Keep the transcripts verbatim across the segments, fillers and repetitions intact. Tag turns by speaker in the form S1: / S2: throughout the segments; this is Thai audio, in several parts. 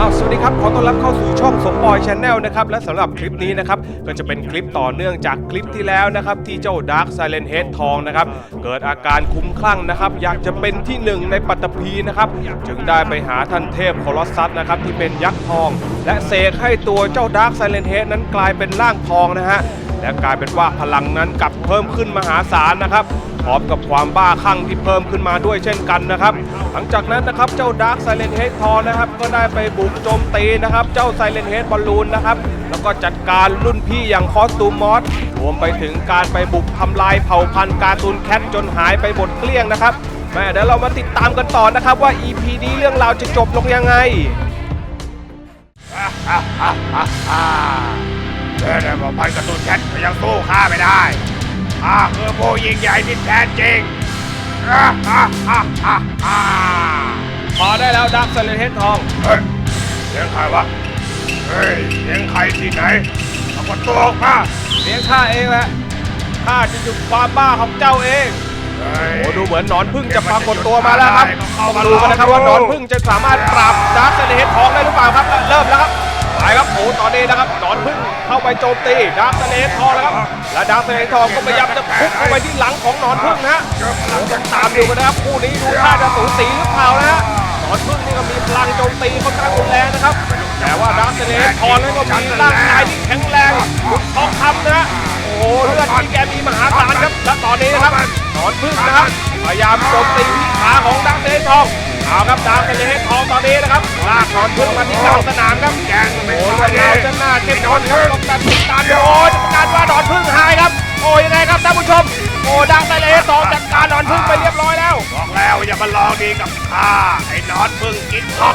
S1: อ้าวสวัสดีครับขอต้อนรับเข้าสู่ช่องสมปอย Channel นะครับและสำหรับคลิปนี้นะครับก็จะเป็นคลิปต่อเนื่องจากคลิปที่แล้วนะครับที่เจ้า Dark Silent Head ทองนะครับเกิดอาการคุ้มคลั่งนะครับอยากจะเป็นที่หนึ่งในปัตตภีนะครับจึงได้ไปหาท่านเทพโคลอสซัสนะครับที่เป็นยักษ์ทองและเสกให้ตัวเจ้า Dark Silent Head นั้นกลายเป็นร่างทองนะฮะและกลายเป็นว่าพลังนั้นกลับเพิ่มขึ้นมหาศาลนะครับพร้อมกับความบ้าคลั่งที่เพิ่มขึ้นมาด้วยเช่นกันนะครับหลังจากนั้นนะครับเจ้า Dark Silent Head ทองนะครับก็ได้ไปบุกโจมตีนะครับเจ้า Silent Head บอลลูนนะครับแล้วก็จัดการรุ่นพี่อย่างคอสตูมมอสรวมไปถึงการไปบุกทำลายเผ่าพันธุ์การ์ตูนแคทจนหายไปหมดเกลี้ยงนะครับแม่เดี๋ยวเรามาติดตามกันต่อนะครับว่า อี พี นี้เรื่องราวจะจบลงยังไง
S2: เดินมาพันการ์ตูนแคทก็ยังสู้ข้าไม่ได้ข้าคือผู้ยิ่งใหญ่ที่แท้จริง
S1: พอได้แล้ว Dark Silent Head ทอง
S2: เฮ้ยเสียงใครวะเฮ้ยเสียงใครที่ไหนเอาคนตัวออกมา
S1: เสียงข้าเองแหละข้าจะหยุดความบ้าของเจ้าเองโอ้ดูเหมือนหนอนพึ่งจะปรากฏตัวมาแล้วครับมาดูกันนะครับว่าหนอนพึ่งจะสามารถปราบ Dark Silent Head ทองได้หรือเปล่าครับเริ่มแล้วครับไปครับโอ้ตอนนี้นะครับหนอนพึ่งเข้าไปโจมตี Dark Silent Head ทองแล้วครับและ Dark Silent Head ทองก็พยายามจะพุ่งเข้าไปที่หลังของหนอนพึ่งนะฮะต้องตามดูกันนะครับคู่นี้ดูท่าจะสูสีหรือเปล่านะฮะหนอนพึ่งนี่ก็มีพลังโจมตีค่อนข้างรุนแรงนะครับแต่ว่า Dark Silent Head ทองนั้นก็มีร่างกายที่แข็งแรงดุจทองคำนะฮะโอ้โหเลือดที่แกมีมหาศาลครับและตอนนี้นะครับหนอนพึ่งนะครับพยายามโจมตีที่ขาของ Dark Silent Head ทองเอาครับ Dark Silent Head ทองตอนนี้นะครับลากหนอนพึ่งมาที่กลางสนามครับ
S2: แกง
S1: โอ้เรื่องราวจะน่าเข้มข้นครับต้องตัดติดตามโอ้จะประกาศว่าหนอนพึ่งหายครับโอ้ยังไงครับท่านผู้ชมโอ้ Dark Silent Head ทองจัดการหนอนพึ่งไปเรียบร้อยแล้ว
S2: บอกแล้วอย่ามาลองดีกับข้าไอ้หนอนพึ่งกินท็อก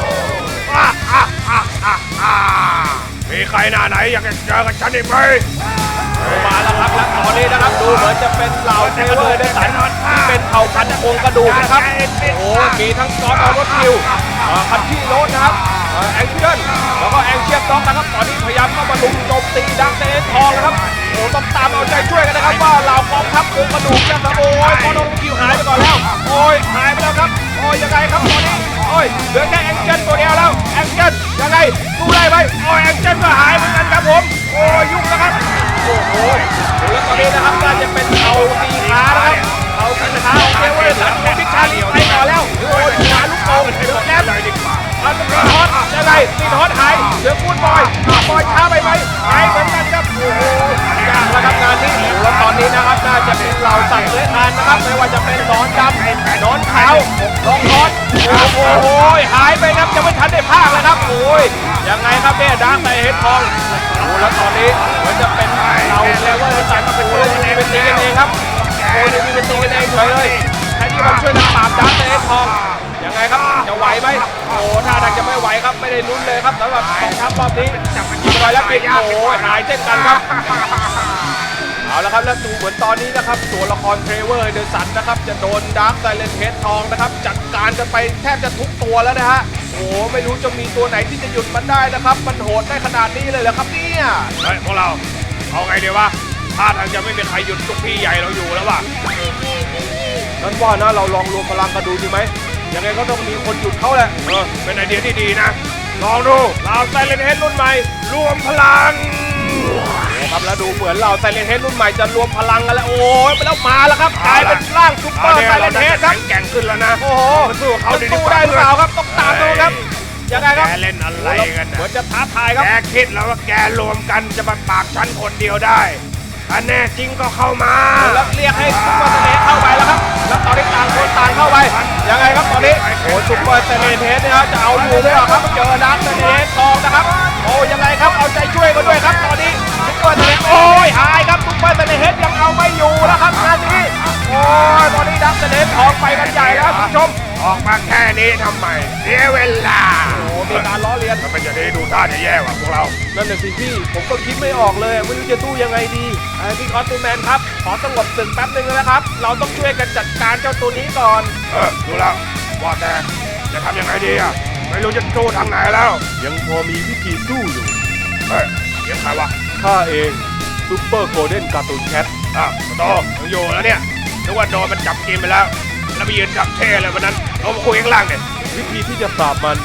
S2: มีใครหน้าไหนอยากจะเจอกับฉันอีกไหม
S1: มาแล้วครับและตอนนี้นะครับดูเหมือนจะเป็นเหล่าเทเวอร์เดสันที่เป็นเผ่าพันธุ์โครงกระดูกนะครับโอ้มีทั้งซอสออรสคิวคันที่โรสนะครับแองเจิลแล้วก็แองเชียบด็อกนะครับตอนนี้พยายามเข้ามาลุมโจมตีดักเซนทองนะครับโอ้ต้องตามเอาใจช่วยกันนะครับว่าเหล่ากองทัพโครงกระดูกนะครับโอ้ยซอสออรสคิวหายไปก่อนแล้วโอ้ยหายไปแล้วครับโอ้ยยังไงครับตอนนี้โอ้ยเหลือแค่แองเจิลตัวเดียวแล้วแองเจิลยังไงสู้ได้ไหมโอ้ยแองเจิลก็หายเหมือนกันครับผมโอ้ยยุ่งนะครับโอ้โหแล้วตอนนี้นะครับน่าจะเป็นเอาตีขานะครับเอาตีขาเทเวอร์สันพิชาลีไปก่อนแล้วโอ้ยขาลูกโป่งเดือดแล้วเลยดีกว่าเอาตีฮอตยังไงตีฮอตหายเหลือพูดบอยบอยช้าไปไหมหายเหมือนกันครับโอ้โหยากแล้วครับงานนี้แล้วตอนนี้นะครับน่าจะเป็นเหล่าสัตว์เลื้อยคลานนะครับไม่ว่าจะเป็นหนอนดำหนอนขาวลองฮอตโอ้โหหายไปครับยังไม่ทันได้พากเลยครับโอ้ยยังไงครับเนี่ยดังในเฮดทองโอ้แล้วตอนนี้เหมือนจะเป็นเราแล้วว่าเราสั่งมาเป็นคนที่เป็นตีกันเองครับโอ้ยมีเป็นตีกันเองเฉยเลยแค่ที่มันช่วยกันปราบดังในเฮดทองยังไงครับจะไหวไหมโอ้ท่าทางจะไม่ไหวครับไม่ได้ลุ้นเลยครับสำหรับกองทัพรอบนี้ยิงไปแล้วปิดโอ้หายเช่นกันครับเอาละครับแล้วดูเหมือนตอนนี้นะครับตัวละครเทรเวอร์เดอะสันนะครับจะโดนดาร์คไซเลนเฮดทองนะครับจัดการกันไปแทบจะทุกตัวแล้วนะฮะโอ้ไม่รู้จะมีตัวไหนที่จะหยุดมันได้นะครับมันโหดได้ขนาดนี้เลยเหรอครับเนี่ย
S2: เฮ้ยพวกเราเอาไงดีวะท่าทางจะไม่มีใครหยุดลูกพี่ใหญ่เราอยู่แล้วว่ะ
S1: นั้นว่านะเราลองรวมพลังกันดูดีไหมยังไงก็ต้องมีคนหยุดเขาแหละ
S2: เออเป็นไอเดียที่ดีนะลองดูเราไซเลนเฮดรุ่นใหม่รวมพลัง
S1: ครับแล้วดูเหมือนเราไซเลนเฮดรุ่นใหม่จะรวมพลังกันแล้วโอ้ยไปแล้วมาแล้วครับกลายเป็นร่างซุปเปอร์ไซเลนเฮดครับ
S2: แข่งขึ้นแล้วนะ
S1: โอ้โหสู้เขาสู้ได้หรือเปล่าครับต้องตามดูครับยังไงครับ
S2: แกเล่นอะไรกัน
S1: เหมือนจะท้าทายครับ
S2: แกคิดแล้วว่าแกรวมกันจะมาปราบฉันคนเดียวได้ถ้าแน่จริงก็เข้ามา
S1: แล้วเรียกให้ซุปเปอร์ไซเลนเข้าไปแล้วครับแล้วตอนนี้ต่างคนต่างเข้าไปยังไงครับตอนนี้โอ้ซุปเปอร์ไซเลนเฮดเนี่ยจะเอาอยู่หรือเปล่าครับเจอดักไซเลนเฮดทองนะครับโอ้ยังไงครับเอาใจช่วยกันด้วยครับตอนนี้ซุปเปอร์ไซเลนโอ้ยหายครับซุปเปอร์ไซเลนเฮดยังเอาไม่อยู่แล้วครับงานนี้โอ้ยตอนนี้ดักไซเลนทองไปกันใหญ่แล้วคุณผู้ชม
S2: ออกมาแค่นี้ทำไมเสียเวลา
S1: โอ้มีการล้อเลียน
S2: ทำไมจะได้ดูท่าจะแย่กว่าพวกเรา
S1: นั่นแหละสิพี่ผมก็คิดไม่ออกเลยไม่รู้จะสู้ยังไงดีพี่คอสตูแมนครับขอสงบศึกแป๊บนึงนะครับเราต้องช่วยกันจัดการเจ้าตัวนี้ก่อน
S2: เออดูแล้วว่าแต่จะทำยังไงดีอ่ะไม่รู้จะสู้ทางไหนแล้ว
S1: ยังพอมีวิธีสู้อยู่
S2: เฮ้ยเสียงใครวะ
S1: ข้าเองซุปเปอร์โกลเด้นการ์ตูนแคท
S2: อ่ะโตยังอยู่แล้วเนี่ยนึกว่าโดนมันจับกินไปแล้วแล้วไปยืนจับเท่เลยวันนั้นเรามาคุยข้างล่างเนี่ย
S1: วิธีที่จะปราบมัน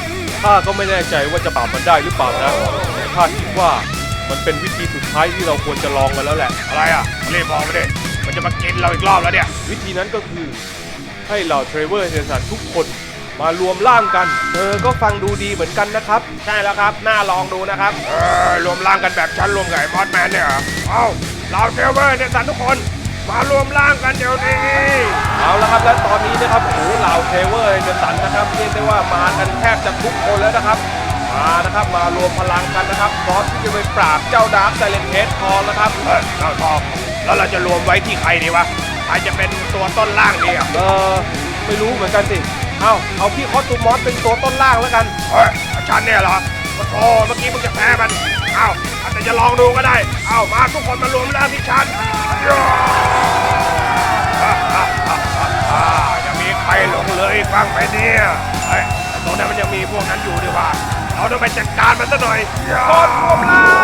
S1: ข้าก็ไม่แน่ใจว่าจะปราบมันได้หรือเปล่านะแต่ข้าคิดว่ามันเป็นวิธีสุดท้ายที่เราควรจะลองกันแล้วแหละ
S2: อะไรอ่ะรีบบอกมาดิมันจะมากินเราอีกรอบแล้วเนี่ย
S1: วิธีนั้นก็คือให้เหล่าเทรเวอร์เฮสันทุกคนมารวมร่างกันเธอก็ฟังดูดีเหมือนกันนะครับใช่แล้วครับน่าลองดูนะครับ
S2: เออรวมร่างกันแบบฉันรวมกับไอ้มอสแมนเนี่ยเหรอเอ้าเราเทเวอร์เนี่ยสันทุกคนมารวมร่างกันเดี๋ยวนี้
S1: เอาละครับและตอนนี้นะครับโอ้โหเหล่าเทรเวอร์เฮสันนะครับเรียกได้ว่ามากันแทบจะทุกคนแล้วนะครับมานะครับมารวมพลังกันนะครับพร้อมที่จะไปปราบเจ้าดาร์คไซเลนเฮดทองนะครับ
S2: เฮ้ยเราทองแล้วเราจะรวมไว้ที่ใครดีวะใครจะเป็นตัวต้นร่างดีอ่ะ
S1: เออไม่รู้เหมือนกันสิเอาเอาพี่คอสตูมอสเป็นตัวต้นล่างแล้วกัน
S2: เฮ้ยฉันเนี่ยเหรอโอ้โหเมื่อกี้มึงจะแพ้มันเอ้าแต่จะลองดูก็ได้เอ้ามาทุกคนมารวมร่างที่ฉันย่าอ่าอ่าอ่าอ่ายังมีใครหลงเลยฟังไปเนี่ยเฮ้ยแต่ตรงนั้นมันยังมีพวกนั้นอยู่ดีว่าเราต้องไปจัดการมันซะหน่อยย่า
S1: โคตรรวมล่าง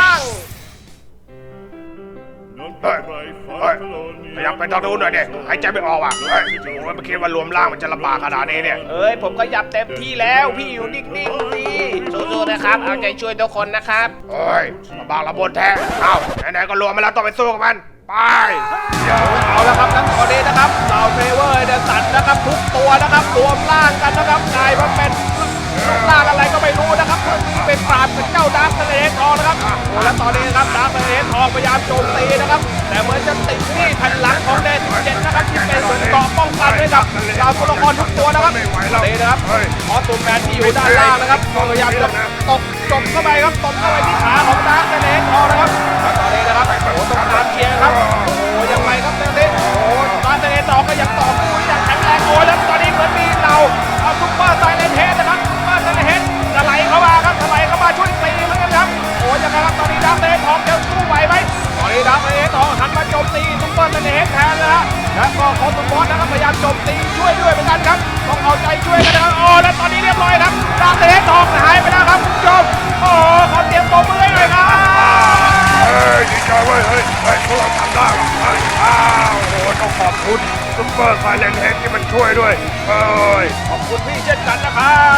S2: เฮ้ยเฮ้ยอยากไปทางนู้นหน่อยดิหายใจไม่ออกอ่ะเฮ้ยโอ้ยไม่คิดว่ารวมร่างมันจะลำบากขนาดนี้เนี่ย
S1: เอ้ยผมก็ยับเต็มที่แล้วพี่อยู่นิ่งๆสิสู้ๆนะครับเอาใจช่วยทุกคนนะครับ
S2: เฮ้ยลำบากลำบนแท้เอ้าไหนๆก็รวมมาแล้วต้องไปสู้กับมันไปย่า
S1: เอาละครับแล้วตอนนี้นะครับเหล่าเทรเวอร์เดสันนะครับทุกตัวนะครับรวมร่างกันนะครับกลายมาเป็นรูปร่างอะไรก็ไม่รู้นะครับเพื่อที่เป็นปราบกับเจ้าดาร์คไซเลนทองนะครับโอ้แล้วตอนนี้นะครับดาร์คไซเลนทองพยายามโจมตีนะครับแต่เหมือนจะติดที่แผ่นหลังของเดสิบเจ็ดนะครับที่เป็นส่วนเกราะป้องกันให้กับเหล่าตัวละครทุกตัวนะครับนี่นะครับออสตูแมนที่อยู่ด้านล่างนะครับก็พยายามจะตบจบเข้าไปครับตบเข้าไปที่ขาของดาร์คไซเลนทองนะครับแล้วตอนนี้นะครับโอ้ต้องการเชียร์ครับโอ้ยังไงครับเรื่องนี้โอ้ดาร์คไซเลนทองก็ยังต่อสู้อย่างแข็งแรงโอ้แล้วตอนนี้เหมือนมีเราเอาซุปเปอร์ไซเลนเฮดนะครับซุปเปอร์ไซเลนเฮดจะไหลเข้ามาครับจะไหลเข้ามาช่วยตีเหมือนกันครับโอ้ยังไงครับตอนนี้ดาร์คไซเลนทองจะสู้ไหวไหมตอนนี้ดาร์คไซเลนทองหันมาโจมตีซุปเปอร์ไซเลนเฮดแทนนะฮะแล้วก็คอสตูมอสนะครับพยายามโจมตีช่วยด้วยเหมือนกันครับต้องเอาใจช่วยกันนะครับโอ้แล้วตอนนี้เรียบร้อยครับดาร์คไซเลนทองหายไปแล้วครับคุณผู้ชมโอ้ขอเตรียมตัวมือให้หน่อยครับ
S2: เฮ้ยดีใจเว้ยเฮ้ยเฮ้ยพวกเราทำได้ว่ะเฮ้ยอ้าวโอ้โหต้องขอบคุณซุปเปอร์ไซเลนเฮดที่มันช่วยด้วยเฮ้ย
S1: ขอบคุณพี่เช่นกันนะครับ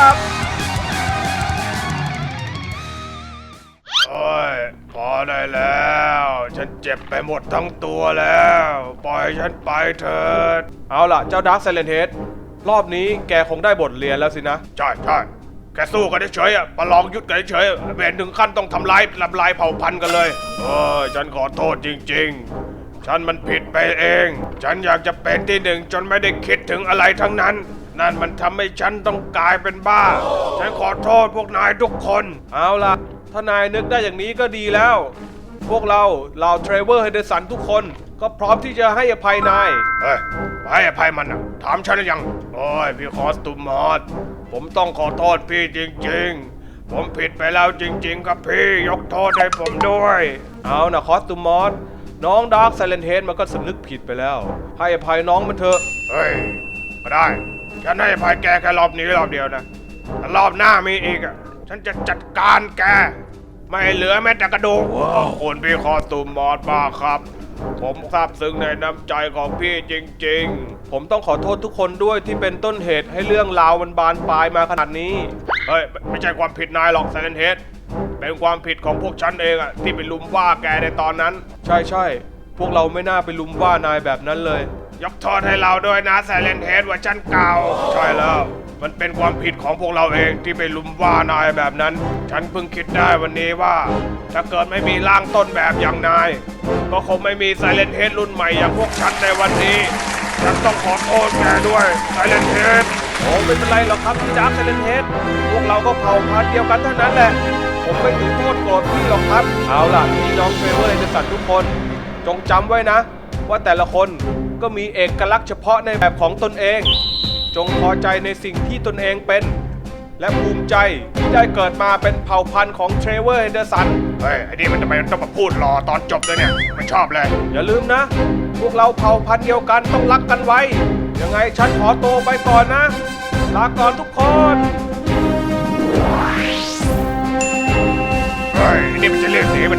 S2: โอ้ยพอได้แล้วฉันเจ็บไปหมดทั้งตัวแล้วปล่อยฉันไปเถิด
S1: เอาล่ะเจ้าดาร์คไซเลนเฮดรอบนี้แกคงได้บทเรียนแล้วสินะ
S2: ใช่ใช่แค่สู้กันเฉยๆอ่ะประลองยุทธกันเฉยๆไม่เห็นถึงขั้นต้องทำลายทำลายเผ่าพันธุ์กันเลยเออฉันขอโทษจริงๆ ฉันมันผิดไปเอง ฉันอยากจะเป็นที่หนึ่งจนไม่ได้คิดถึงอะไรทั้งนั้น นั่นมันทำให้ฉันต้องกลายเป็นบ้า ฉันขอโทษพวกนายทุกคน
S1: เอาล่ะถ้านายนึกได้อย่างนี้ก็ดีแล้ว พวกเราเหล่าเทรเวอร์เฮเดสันทุกคนก็พร้อมที่จะให้อภัยนาย
S2: เฮ้ยให้อภัยมันอ่ะถามฉันหรือยังโอ้ยพี่คอสตูมมอสผมต้องขอโทษพี่จริงๆ ผมผิดไปแล้วจริงๆครับพี่ยกโทษให้ผมด้วย
S1: เอานะคอสตูมอสน้องดาร์คไซเลนเฮดมันก็สำนึกผิดไปแล้ว ให้อภัยน้องมันเถอะ
S2: เฮ้ยก็ได้ฉันให้อภัยแกแค่รอบนี้รอบเดียวนะถ้ารอบหน้ามีอีกอ่ะฉันจะจัดการแกไม่เหลือแม้แต่กระดูกขอบคุณพี่คอสตูมมอสมากครับ ผมซาบซึ้งในน้ำใจของพี่จริงๆ
S1: ผมต้องขอโทษทุกคนด้วยที่เป็นต้นเหตุให้เรื่องราวมันบานปลายมาขนาดนี้
S2: เฮ้ยไม่ใช่ความผิดนายหรอกไซเลนเฮดเป็นความผิดของพวกฉันเองอะที่ไปลุมว่าแกในตอนนั้น
S1: ใช่ใช่พวกเราไม่น่าไปลุมว่านายแบบนั้นเลย
S2: ยกโทษให้เราด้วยนะไซเลนเฮดว่าฉันเก่าใช่แล้ว มันเป็นความผิดของพวกเราเองที่ไปลุมว่านายแบบนั้น ฉันเพิ่งคิดได้วันนี้ว่า ถ้าเกิดไม่มีร่างต้นแบบอย่างนาย ก็คงไม่มีไซเลนเฮดรุ่นใหม่อย่างพวกฉันในวันนี้ ฉันต้องขอโทษแกด้วยไซเลนเฮด
S1: โอ้ไม่เป็นไรหรอกครับพี่ดาร์คไซเลนเฮดพวกเราก็เผ่าพันธุ์เดียวกันเท่านั้นแหละ ผมไม่ถือโทษโกรธพี่หรอกครับ เอาล่ะพี่น้องเทรเวอร์เฮเดสันทุกคน จงจำไว้นะ ว่าแต่ละคนก็มีเอกลักษณ์เฉพาะในแบบของตนเอง จงพอใจในสิ่งที่ตนเองเป็น และภูมิใจที่ได้เกิดมาเป็นเผ่าพันธุ์ของเทรเวอร์เฮเดสัน
S2: เฮ้ยไอ้นี่มันทำไมต้องมาพูดรอตอนจบเลยเนี่ยไม่ชอบเลย
S1: อย่าลืมนะ พวกเราเผ่าพันธุ์เดียวกันต้องรักกันไว้ ยังไงฉันขอตัวไปก่อนนะ ลาก่อนทุกคน
S2: เฮ้ยไอ้นี่มันจะเรียกหนีไปไหน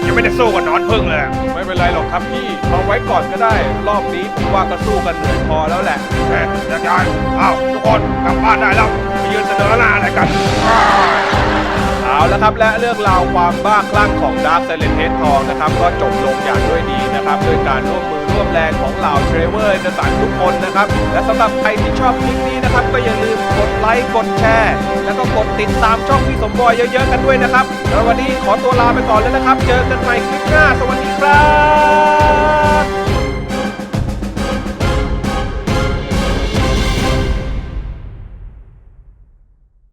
S2: ยังไม่ได้สู้กับหนอนพึ่งเลย
S1: ไม่เป็นไรหรอกครับพี่เอาไว้ก่อนก็ได้ รอบนี้ผมว่าก็สู้กันเหนื่อยพอแล้วแหละ
S2: เฮ้ยยักษ์ใหญ่อ้าวทุกคนกลับบ้านได้แล้วไปยืนเสนอหน้าอะไรกัน
S1: เอาละครับและเรื่องราวความบ้าคลั่งของดาร์คไซเลนเฮดทองนะครับก็จบลงอย่างด้วยดีนะครับด้วยการร่วมมือร่วมแรงของเหล่าเทรเวอร์เดอะสันทุกคนนะครับและสำหรับใครที่ชอบคลิปนี้นะครับก็อย่าลืมกดไลค์กดแชร์แล้วก็กดติดตามช่องพี่สมบอยเยอะๆกันด้วยนะครับแล้ววันนี้ขอตัวลาไปก่อนแล้วนะครับ เจอกันใหม่คลิปหน้าสวัสดีครับ